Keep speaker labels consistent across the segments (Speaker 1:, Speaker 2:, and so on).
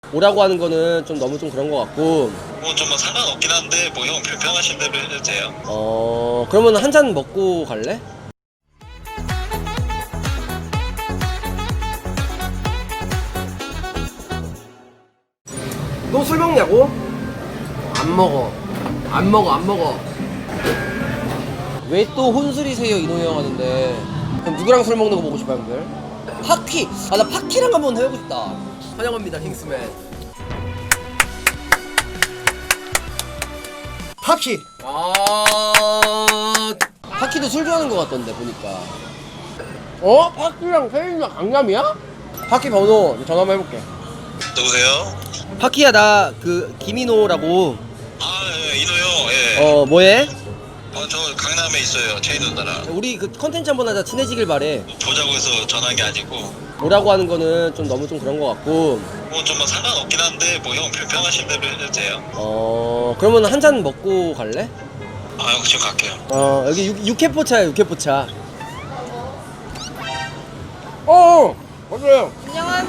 Speaker 1: 오라고 하는 거는 좀 너무 좀 그런 거 같고.
Speaker 2: 뭐 좀 뭐 상관없긴 한데 뭐 형 불편하신 대로 해도 돼요.
Speaker 1: 그러면 한 잔 먹고 갈래? 너 술 먹냐고? 안 먹어. 안 먹어. 왜 또 혼술이세요 이노 형 하는데. 그럼 누구랑 술 먹는 거 보고 싶어요 형들? 파키! 아 나 파키랑 한번 해보고 싶다. 환영합니다 킹스맨.
Speaker 3: 파키.
Speaker 1: 파키도 술 좋아하는 거 같던데 보니까. 파키랑 세인이랑 강남이야? 파키 번호 전화 한번 해볼게.
Speaker 2: 누구세요?
Speaker 1: 파키야 나 그 김인호라고.
Speaker 2: 예, 이노 형. 예.
Speaker 1: 뭐해?
Speaker 2: 저 강남에 있어요. 체인 누나랑.
Speaker 1: 우리 그 컨텐츠 한번 하자. 친해지길 바래.
Speaker 2: 보자고 해서 전화한 게 아니고
Speaker 1: 오라고 하는 거는 좀 너무 좀 그런 거 같고.
Speaker 2: 뭐 좀 뭐 상관없긴 한데 뭐 형 불편하신 대로 해도 돼요.
Speaker 1: 그러면 한 잔 먹고 갈래?
Speaker 2: 형 지금 갈게요.
Speaker 1: 여기 육회포차야 육회포차. 맞아요.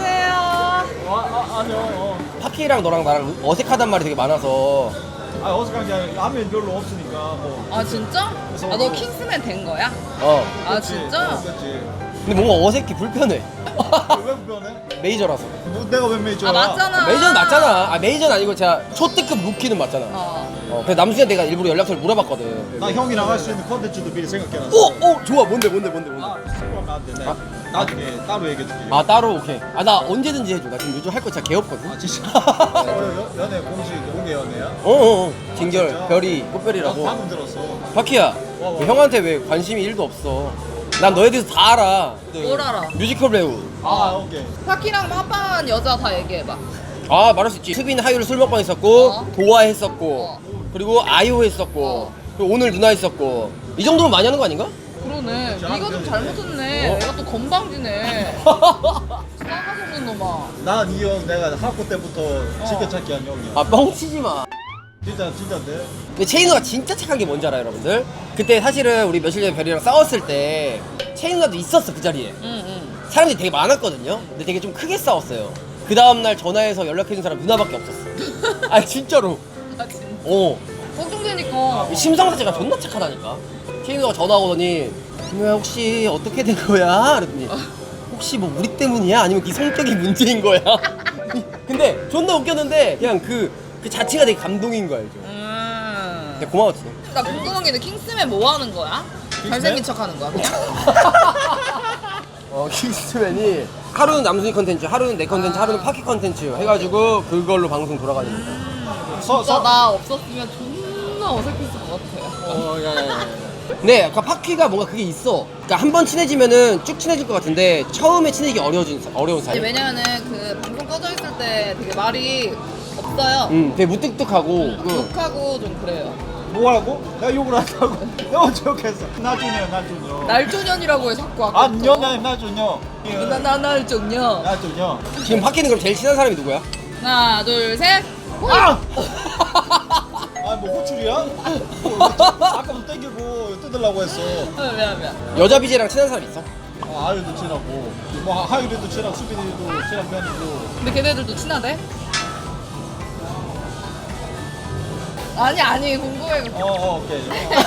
Speaker 4: 안녕하세요.
Speaker 1: 파키랑 너랑 나랑 어색하단 말이 되게 많아서.
Speaker 4: 어색한 게 아니라 라면 별로 없으니까 뭐.
Speaker 5: 아 진짜? 아 너 킹스맨 된 거야? 아
Speaker 4: 그렇지,
Speaker 5: 진짜?
Speaker 4: 그렇지.
Speaker 1: 근데 뭔가 어색해 불편해.
Speaker 4: 왜 불편해?
Speaker 1: 메이저라서.
Speaker 4: 뭐 내가 왜 메이저야?
Speaker 5: 아 맞잖아.
Speaker 1: 메이저는 맞잖아. 메이저는 아니고 제가 초특급 루키는 맞잖아. 그래서 남순이한테 내가 일부러 연락처를 물어봤거든.
Speaker 4: 나 형이 나갈 수 있는 컨텐츠도 미리 생각해놨어.
Speaker 1: 좋아. 뭔데?
Speaker 4: 스포하면 안 돼. 나중에 따로 얘기해줄게.
Speaker 1: 따로 오케이. 나 언제든지 해줘. 나 지금 요즘 할 거 진짜 개 없거든.
Speaker 4: 진짜? 연애 공식 공개 연애야?
Speaker 1: 진결,
Speaker 4: 진짜?
Speaker 1: 별이,
Speaker 4: 나
Speaker 1: 꽃별이라고.
Speaker 4: 방금 들었어.
Speaker 1: 바키야,
Speaker 4: 와.
Speaker 1: 왜 형한테 왜 관심이 1도 없어? 난 너에 대해서 다 알아.
Speaker 5: 뭘 알아?
Speaker 1: 뮤지컬 배우.
Speaker 4: 오케이.
Speaker 5: 파키랑 합방한 여자 다 얘기해봐.
Speaker 1: 말할 수 있지. 수빈, 하유를 술 먹방 했었고, 도화 했었고,
Speaker 5: 어.
Speaker 1: 그리고 아이오 했었고, 그리고 오늘 누나 했었고. 이 정도면 많이 하는 거 아닌가?
Speaker 5: 그러네.
Speaker 4: 자,
Speaker 5: 네가 좀 잘못했네. 내가 또 건방지네. 싸가지 없는 놈아.
Speaker 4: 난 이 형 내가 학교 때부터 지켜찾기 한 형이야.
Speaker 1: 뻥치지 마.
Speaker 4: 진짜인데?
Speaker 1: 근데 체인우가 진짜 착한 게 뭔지 알아요, 여러분들? 그때 사실은 우리 며칠 전에 별이랑 싸웠을 때 체인우가도 있었어, 그 자리에.
Speaker 5: 응.
Speaker 1: 사람들이 되게 많았거든요. 근데 되게 좀 크게 싸웠어요. 그 다음날 전화해서 연락해준 사람 누나밖에 없었어. 진짜로.
Speaker 5: 아 진짜.
Speaker 1: 걱정되니까.
Speaker 5: 걱정되니까.
Speaker 1: 심성 자체가 존나 착하다니까. 체인우가 전화 오더니 김우야 혹시 어떻게 된 거야? 그랬더니 혹시 뭐 우리 때문이야? 아니면 네 성격이 문제인 거야? 근데 존나 웃겼는데 그냥 그 자체가 되게 감동인 거 알죠? 되게 고마웠지.
Speaker 5: 나 궁금한 게 있는데 킹스맨 뭐 하는 거야? 잘생긴 척 하는 거야 그냥?
Speaker 1: 킹스맨이 하루는 남순이 컨텐츠, 하루는 내 컨텐츠, 하루는 파키 컨텐츠 해가지고 그걸로 방송 돌아가는 거야.
Speaker 5: 진짜 나 없었으면 존나 어색했을 것 같아.
Speaker 1: 야야야. 네, 아까 파키가 뭔가 그게 있어. 그러니까 한 번 친해지면은 쭉 친해질 것 같은데 처음에 친해지기 어려운 사이.
Speaker 5: 왜냐면은 그 방송 꺼져 있을 때 되게 말이 없어요.
Speaker 1: 되게 무뚝뚝하고.
Speaker 5: 욕하고 좀 그래요.
Speaker 4: 뭐라고? 내가 욕을 한다고? 내가 언제 욕했어? 나준여.
Speaker 5: 날조년이라고 해 자꾸 아까.
Speaker 4: 나준여.
Speaker 5: 날조년.
Speaker 4: 나준여.
Speaker 1: 지금 파키는 그럼 제일 친한 사람이 누구야?
Speaker 5: 하나 둘 셋.
Speaker 4: 뭐 호출이야? 아까부터 땡기고 뜯으려고 했어.
Speaker 5: 미안.
Speaker 1: 여자 BJ랑 친한 사람 있어?
Speaker 4: 아유도 친하고 뭐 하유리도 친하고 수빈이도 친한 편이고.
Speaker 5: 근데 걔네들도 친하대? 아니 궁금해.
Speaker 4: 오케이.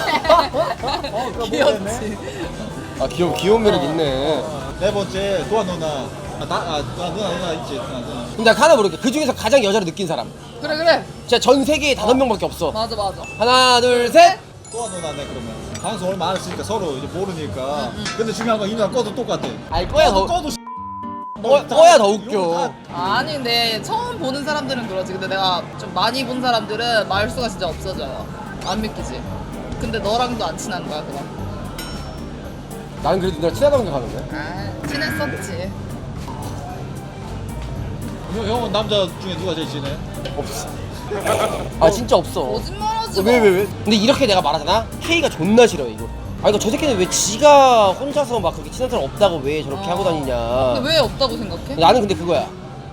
Speaker 5: 귀엽지.
Speaker 1: 귀여운 매력 있네.
Speaker 4: 네 번째 도아 누나. 누나 있지. 누나.
Speaker 1: 근데 나 하나 모르겠어. 그 중에서 가장 여자를 느낀 사람.
Speaker 5: 그래.
Speaker 1: 진짜 전 세계에 5명밖에 없어.
Speaker 5: 맞아.
Speaker 1: 하나, 둘, 셋.
Speaker 4: 도아 누나네 그러면. 방송 얼마 안 했으니까 서로 이제 모르니까. 근데 중요한 건 이 누나 꺼도 똑같아.
Speaker 1: 꺼야 더 꺼야 더 웃겨.
Speaker 5: 아니 근데 처음 보는 사람들은 그러지. 근데 내가 좀 많이 본 사람들은 말수가 진짜 없어져요. 안 믿기지. 근데 너랑도 안 친한 거야 그럼?
Speaker 1: 나는 그래도 누나 친하다고 생각하는데.
Speaker 5: 친했었지.
Speaker 4: 형은 남자 중에 누가 제일 친해?
Speaker 1: 없어. 진짜 없어.
Speaker 5: 거짓말하지 마.
Speaker 1: 왜? 근데 이렇게 내가 말하잖아? K가 존나 싫어요 이거. 저 새끼는 왜 지가 혼자서 막 그렇게 친한 사람 없다고 왜 저렇게 하고 다니냐.
Speaker 5: 근데 왜 없다고 생각해?
Speaker 1: 나는 근데 그거야.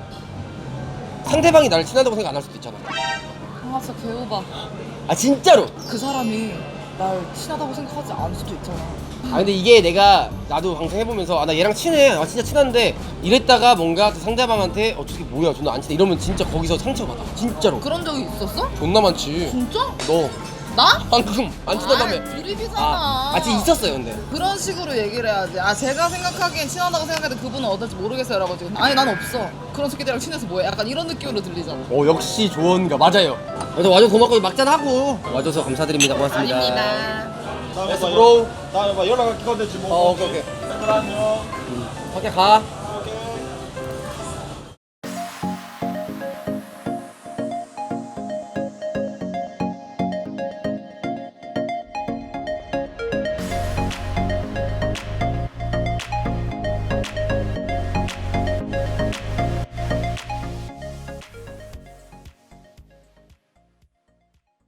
Speaker 1: 상대방이 나를 친하다고 생각 안 할 수도 있잖아.
Speaker 5: 진짜 개오바.
Speaker 1: 진짜로.
Speaker 5: 그 사람이 날 친하다고 생각하지 않을 수도 있잖아.
Speaker 1: 아 근데 이게 내가 나도 방송 해보면서 아 나 얘랑 친해 아 진짜 친한데 이랬다가 뭔가 그 상대방한테 저게 뭐야 존나 안 친해 이러면 진짜 거기서 상처받아 진짜로
Speaker 5: 그런 적이 있었어?
Speaker 1: 존나 많지
Speaker 5: 진짜?
Speaker 1: 너
Speaker 5: 나?
Speaker 1: 방금 안 친하다며
Speaker 5: 아, 드립이잖아.
Speaker 1: 진짜 있었어요 근데
Speaker 5: 그런 식으로 얘기를 해야지. 아 제가 생각하기엔 친하다고 생각해도 그분은 어떨지 모르겠어요 라고 지금 아니 난 없어 그런 새끼들이랑 친해서 뭐해 약간 이런 느낌으로 들리잖아.
Speaker 1: 역시 조언가 맞아요 그래서 와줘서 고맙고 막잔하고 와줘서 감사드립니다 고맙습니다
Speaker 5: 아닙니다.
Speaker 4: 다음에
Speaker 1: 됐어, 브로.
Speaker 4: 다음에 봐 연락할 기간 되지 뭐.
Speaker 1: 오케이
Speaker 4: 안녕.
Speaker 1: 밖에 가